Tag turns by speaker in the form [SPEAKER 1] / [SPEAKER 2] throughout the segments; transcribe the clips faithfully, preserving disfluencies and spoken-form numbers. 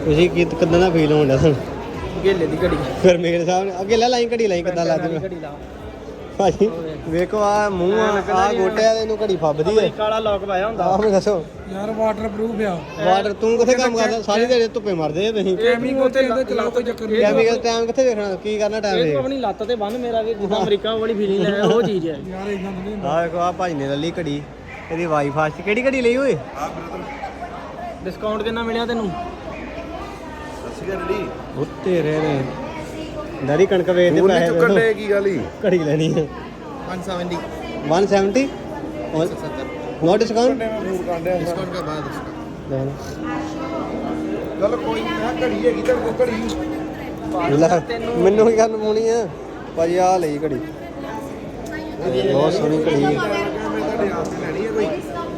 [SPEAKER 1] ਤੁਸੀਂ ਕੀ ਕਿਦਾਂ ਦਾ ਫੀਲ ਹੋਣ ਡਿਆ ਤੁਹਾਨੂੰ?
[SPEAKER 2] ਗੇਲੇ ਦੀ ਘੜੀ
[SPEAKER 1] ਫਿਰ ਮੇਰੇ ਸਾਹਮਣੇ ਅੱਗੇ ਲੈ ਲਾਈ ਘੜੀ ਲਾਈ ਕਿਦਾਂ ਲੱਗਦੀ
[SPEAKER 2] ਘੜੀ ਲਾ
[SPEAKER 1] ਭਾਜੀ ਵੇਖੋ ਆ ਮੂੰਹ ਆ ਆ ਗੋਟਿਆਂ ਦੇ ਇਹਨੂੰ ਘੜੀ ਫੱਬਦੀ ਹੈ।
[SPEAKER 2] ਕਾਲਾ ਲੋਕ ਪਾਇਆ ਹੁੰਦਾ
[SPEAKER 1] ਆਹ ਮੈਨੂੰ ਦੱਸੋ
[SPEAKER 2] ਯਾਰ ਵਾਟਰ ਪ੍ਰੂਫ ਆ।
[SPEAKER 1] ਵਾਟਰ ਤੂੰ ਕਿੱਥੇ ਕੰਮ ਕਰਦਾ? ਸਾਰੀ ਦਿਹਾੜੀ ਧੁੱਪੇ ਮਰਦੇ ਆ ਤੁਸੀਂ।
[SPEAKER 2] ਕੈਮੀਕਲ ਤੇ ਇਹਦੇ ਚਲਾਓ ਕੋਈ ਚੱਕਰ ਨਹੀਂ।
[SPEAKER 1] ਕੈਮੀਕਲ ਟਾਈਮ ਕਿੱਥੇ ਵੇਖਣਾ? ਕੀ ਕਰਨਾ ਟਾਈਮ
[SPEAKER 2] ਇਹ ਆਪਣੀ ਲੱਤ ਤੇ ਬੰਨ ਮੇਰਾ ਵੀ ਜਿੱਦਾਂ ਅਮਰੀਕਾ ਵਾਲੀ ਫੀਲਿੰਗ ਲੈ ਉਹ ਚੀਜ਼ ਹੈ ਯਾਰ। ਇਦਾਂ ਨਹੀਂ
[SPEAKER 1] ਆਹ ਵੇਖੋ ਆ ਭਾਜੀ ਨੇ ਲੱਲੀ ਘੜੀ ਇਹਦੀ ਵਾਈ ਫਾਸਟ ਕਿਹੜੀ ਘੜੀ ਲਈ ਓਏ?
[SPEAKER 3] ਆ ਬ੍ਰਦਰ
[SPEAKER 2] ਡਿਸਕਾਊਂਟ ਕਿੰਨਾ ਮਿਲਿਆ ਤੈਨੂੰ?
[SPEAKER 3] ਸੱਸੀ ਰੜੀ
[SPEAKER 1] ਉਹ ਤੇਰੇ ਨੇ ਡੈਡੀ ਕਣਕ ਵੇਚਦੇ
[SPEAKER 3] ਫੋਨ ਨਹੀਂ
[SPEAKER 1] ਪੈਸੇ
[SPEAKER 3] ਚੁੱਕਣ ਦੇ ਕੀ ਗੱਲ ਹੀ
[SPEAKER 1] ਘੜੀ ਲੈਣੀ ਹੈ
[SPEAKER 4] वन सेवेंटी
[SPEAKER 1] one seventy और नो डिस्काउंट
[SPEAKER 3] ਫੋਨ ਕਾਂਡਿਆ
[SPEAKER 4] डिस्काउंट का बाद उसका
[SPEAKER 3] ਚੱਲ ਕੋਈ ਨਹੀਂ ਮੈਂ ਘੜੀ ਹੈਗੀ ਤੇ ਕੋ ਘੜੀ
[SPEAKER 1] ਲੈ ਮੈਨੂੰ ਕੀ ਗੱਲ ਪਾਉਣੀ ਆ ਭਾਜੀ ਆ ਲਈ ਘੜੀ ਬਹੁਤ ਸੋਹਣੀ ਘੜੀ ਹੈ
[SPEAKER 3] ਤੁਹਾਡੇ ਆਪ ਤੇ ਲੈਣੀ ਹੈ ਕੋਈ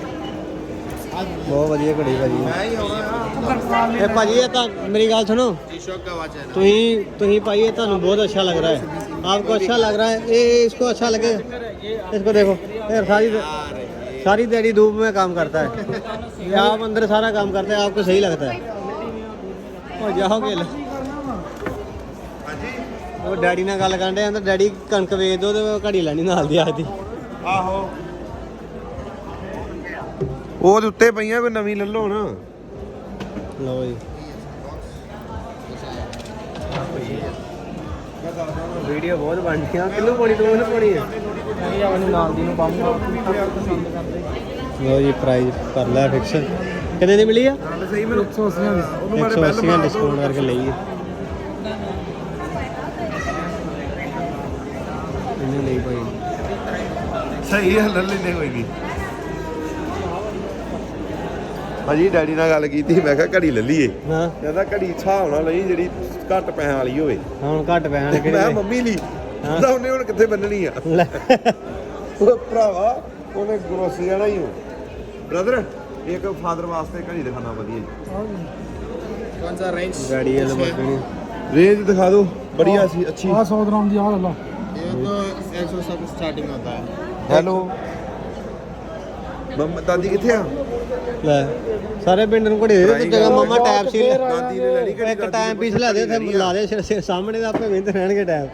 [SPEAKER 1] ਬਹੁਤ ਵਧੀਆ ਘੜੀ ਭਾਜੀ
[SPEAKER 3] ਮੈਂ ਹੀ ਆਉਣਾ ਆ
[SPEAKER 1] ਇਹ ਭਾਜੀ ਇਹ ਤਾਂ ਮੇਰੀ ਗੱਲ सुनो
[SPEAKER 4] टी शॉप का वॉच है ना
[SPEAKER 1] तुही तुही भाई ये ਤੁਹਾਨੂੰ बहुत अच्छा लग रहा है आपको अच्छा लग रहा है ये इसको अच्छा लगे इसको देखो ये सारी सारी दिहाड़ी धूप में काम करता है ये आप अंदर सारा काम करते हैं आपको सही लगता है और जाओगे ਉਹ ਡੈਡੀ ਨਾਲ ਗੱਲ ਕਰਦੇ ਆਂ ਤਾਂ ਡੈਡੀ ਕਣਕ ਵੇਚ ਦੋ ਤੇ ਘੜੀ ਲੈਣੀ ਨਾਲ ਦੀ ਆਦੀ
[SPEAKER 3] ਆਹੋ ਉਹਦੇ ਉੱਤੇ ਪਈਆਂ ਕੋਈ ਨਵੀਂ ਲੈ ਲਓ ਨਾ
[SPEAKER 1] ਲਓ ਜੀ ਵੀਡੀਓ ਬਹੁਤ ਬਣ ਗਈਆਂ ਕਿੰਨੂੰ ਪਾਣੀ ਤੂੰ ਇਹਨੂੰ ਪਾਣੀ ਹੈ
[SPEAKER 2] ਨਹੀਂ ਆਪਣੀ ਨਾਲ ਦੀ ਨੂੰ ਪਾਉਂਗਾ ਪਸੰਦ ਕਰਦੇ
[SPEAKER 1] ਲਓ ਜੀ ਪ੍ਰਾਈਸ ਕਰ ਲਿਆ ਫਿਕਸ ਕਿੰਨੇ ਦੀ ਮਿਲੀ ਆ
[SPEAKER 3] ਸਹੀ ਮੈਨੂੰ
[SPEAKER 2] ਇੱਕ ਸੌ ਅੱਸੀ
[SPEAKER 3] ਉਹਨੂੰ
[SPEAKER 1] ਇੱਕ ਸੌ ਅੱਸੀ ਡਿਸਕਾਊਂਟ ਕਰਕੇ ਲਈ ਹੈ ਇਹਨੇ ਲਈ ਭਾਈ
[SPEAKER 3] ਸਹੀ ਹੈ ਲੈ ਲੈਂਦੇ ਕੋਈ ਨਹੀਂ ਭਾਜੀ ਡੈਡੀ ਨਾਲ ਗੱਲ ਕੀਤੀ ਮੈਂ ਕਿਹਾ ਘੜੀ ਲੈ ਲਈਏ
[SPEAKER 1] ਹਾਂ
[SPEAKER 3] ਕਹਿੰਦਾ ਘੜੀ ਹਿਸਾਬ ਨਾਲ ਲਈ ਜਿਹੜੀ ਘੱਟ ਪੈਸਿਆਂ ਵਾਲੀ ਹੋਵੇ
[SPEAKER 1] ਹੁਣ ਘੱਟ ਪੈਣ ਵਾਲੇ
[SPEAKER 3] ਮੈਂ
[SPEAKER 1] ਕਿਹੜੇ
[SPEAKER 3] ਮੰਮੀ ਲਈ
[SPEAKER 1] ਹਾਂ।
[SPEAKER 3] ਕਹਿੰਦਾ ਉਹਨੇ ਹੁਣ ਕਿੱਥੇ ਬੰਨਣੀ ਆ
[SPEAKER 1] ਲੈ
[SPEAKER 3] ਉਹ ਭਰਾਵਾ ਉਹਨੇ ਗਰੋਸਰੀ ਜਾਣਾ ਹੀ ਹੋ ਬ੍ਰਦਰ ਇੱਕ ਫਾਦਰ ਵਾਸਤੇ ਘੜੀ ਦਿਖਾਣਾ ਵਧੀਆ ਜੀ
[SPEAKER 4] कौन सा रेंज
[SPEAKER 1] ਗਾੜੀ ਵਾਲਾ ਬੱਕਣੀ
[SPEAKER 3] ਰੇਂਜ ਦਿਖਾ ਦਿਓ ਬੜੀਆ ਸੀ ਅੱਛੀ
[SPEAKER 2] ਆ ਸੌ ਗ੍ਰਾਮ ਦੀ ਆ ਲੈ ਲਾ
[SPEAKER 4] ये तो एक सौ सब स्टार्टिंग होता है
[SPEAKER 3] ਹੈਲੋ ਮੰਮਾ ਦਾਦੀ ਕਿੱਥੇ ਆ
[SPEAKER 1] ਲੈ ਸਾਰੇ ਪਿੰਡ ਨੂੰ ਘੜੀ ਦੇ ਤੇ ਜਗ੍ਹਾ ਮਾਮਾ ਟੈਪ ਸੀ
[SPEAKER 3] ਦਾਦੀ ਨੇ ਲੈਣੀ ਘੜੀ
[SPEAKER 1] ਇੱਕ ਟਾਈਮ ਪੀਸ ਲੈ ਦੇ ਤੇ ਲਾ ਦੇ ਸਿਰ- ਸਿਰ ਸਾਹਮਣੇ ਦਾ ਆਪੇ ਵਿੰਦ ਰਹਿਣਗੇ ਟੈਪ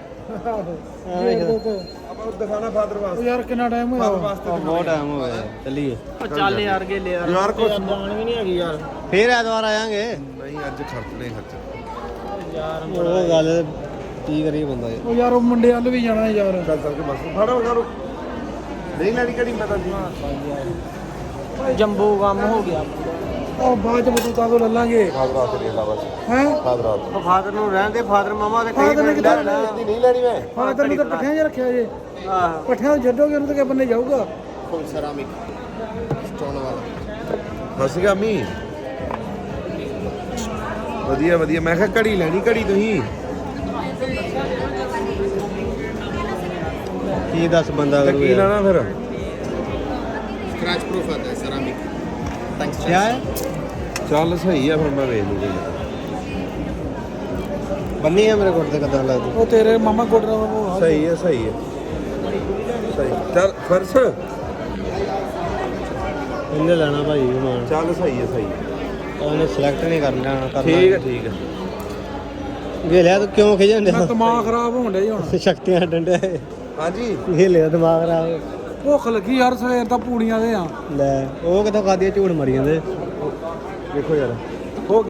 [SPEAKER 3] ਆਪਾਂ ਦਿਖਾਣਾ ਫਾਦਰ ਵਾਸਤੇ
[SPEAKER 2] ਯਾਰ ਕਿੰਨਾ ਟਾਈਮ ਹੋਇਆ
[SPEAKER 3] ਫਾਦਰ ਵਾਸਤੇ
[SPEAKER 1] ਬਹੁਤ ਟਾਈਮ ਹੋ ਗਿਆ ਚੱਲੀਏ
[SPEAKER 2] ਉਹ ਚੱਲ ਯਾਰ ਗੇਲੇ ਯਾਰ
[SPEAKER 3] ਯਾਰ ਕੁਛ
[SPEAKER 2] ਜਾਣ ਵੀ ਨਹੀਂ ਹੈਗੀ ਯਾਰ
[SPEAKER 1] ਫੇਰ ਐਤਵਾਰ ਆਵਾਂਗੇ
[SPEAKER 3] ਨਹੀਂ ਅੱਜ ਖਰਚ ਨਹੀਂ ਖਰਚ
[SPEAKER 2] ਯਾਰ
[SPEAKER 1] ਉਹ ਗੱਲ ਕੀ ਕਰੀ ਬੰਦਾ ਯਾਰ
[SPEAKER 2] ਉਹ ਯਾਰ ਉਹ ਮੁੰਡੇ ਵੱਲ ਵੀ ਜਾਣਾ ਯਾਰ
[SPEAKER 3] ਚੱਲ ਚੱਲ ਕੇ ਬਸ ਫੜੋ ਫੜੋ ਨਹੀਂ ਲੈਣੀ ਘੜੀ ਮੈਂ ਦਾਦੀ
[SPEAKER 2] ਜੰਬੋ ਕੰਮ ਹੋ ਗਿਆ ਉਹ ਬਾਅਦ ਚ ਬਤੂਤਾ ਤੋਂ ਲੈ ਲਾਂਗੇ
[SPEAKER 3] ਫਾਦਰ ਵਾਸਤੇ ਦੇਖ ਲਾ ਬਸ
[SPEAKER 2] ਹੈ
[SPEAKER 3] ਫਾਦਰ ਵਾਸਤੇ
[SPEAKER 1] ਉਹ ਫਾਦਰ ਨੂੰ ਰਹਿਣ ਦੇ ਫਾਦਰ ਮਾਮਾ ਦੇ ਕਈ
[SPEAKER 2] Father ਨੇ
[SPEAKER 1] ਮਿੰਟ
[SPEAKER 2] ਕਿੱਦਾਂ
[SPEAKER 1] ਲੈਣਾ
[SPEAKER 3] ਨਹੀਂ ਲੈਣੀ ਮੈਂ
[SPEAKER 2] ਹਾਂ ਤੈਨੂੰ ਤਾਂ ਪੱਠਿਆਂ 'ਚ ਰੱਖਿਆ ਜੇ
[SPEAKER 1] ਆਹ
[SPEAKER 2] ਪੱਠਿਆਂ ਤੋਂ ਛੱਡੋਗੇ ਉਹਨੂੰ ਤਾਂ ਕਿਆ ਬੰਨੇ ਜਾਊਗਾ
[SPEAKER 4] फुल सेरामिक स्टोन वाला
[SPEAKER 3] ਹੱਸ ਗਿਆ ਮੀ ਵਧੀਆ ਵਧੀਆ ਮੈਂ ਕਿਹਾ ਘੜੀ ਲੈਣੀ ਘੜੀ ਤੁਸੀਂ
[SPEAKER 1] ਕੀ ਦੱਸ ਬੰਦਾ
[SPEAKER 3] ਤਾਂ
[SPEAKER 1] ਕਰੂ
[SPEAKER 3] ਕੀ
[SPEAKER 1] ਯਾਰ
[SPEAKER 3] ਲੈਣਾ ਫਿਰ
[SPEAKER 4] स्क्रैच प्रूफ आता है सेरामिक थैंक्स
[SPEAKER 1] ਕਿਆ ਹੈ
[SPEAKER 3] ਚੱਲ ਸਹੀ ਆ ਫਿਰ ਮੈਂ ਵੇਚ ਲੂਗਾ
[SPEAKER 1] ਬੰਨੀ ਆ ਮੇਰੇ ਕੋਲ ਤੇ ਕਦਾਂ ਲੱਗਦੀ
[SPEAKER 2] ਉਹ ਤੇਰੇ ਮਾਮਾ ਗੋਡਰਾ ਉਹ
[SPEAKER 3] ਸਹੀ ਹੈ ਸਹੀ ਹੈ ਸਹੀ ਚੱਲ ਫਰਸ
[SPEAKER 1] ਇਹਨੇ ਲੈਣਾ ਭਾਈ ਮਾਨ
[SPEAKER 3] ਚੱਲ ਸਹੀ ਹੈ ਸਹੀ ਹੈ
[SPEAKER 1] ਉਹਨੇ ਸਿਲੈਕਟ ਨਹੀਂ ਕਰਨਾ ਕਰਨਾ
[SPEAKER 3] ਠੀਕ ਹੈ ਠੀਕ ਹੈ
[SPEAKER 1] ਵੇਲਿਆ ਤੂੰ ਕਿਉਂ ਖਿਜਣ
[SPEAKER 2] ਮੈਂ
[SPEAKER 1] ਡਿਆ
[SPEAKER 2] ਦਿਮਾਗ ਖਰਾਬ ਹੋਣ ਡਿਆ ਜੀ ਹੁਣ
[SPEAKER 1] ਸ਼ਕਤੀਆਂ ਡੰਡੇ
[SPEAKER 3] ਹਾਂਜੀ
[SPEAKER 1] ਵੇਲਿਆ ਦਿਮਾਗ ਖਰਾਬ
[SPEAKER 2] ਭੁੱਖ ਲੱਗੀ ਯਾਰ ਸਵੇਰ ਦਾ ਪੂੜੀਆਂ ਦੇ ਆ
[SPEAKER 1] ਲੈ ਉਹ ਕਿਥੋਂ ਖਾਦੀ ਝੂਠ ਮਰੀ ਜਾਂਦੇ
[SPEAKER 3] ਵੇਖੋ ਯਾਰ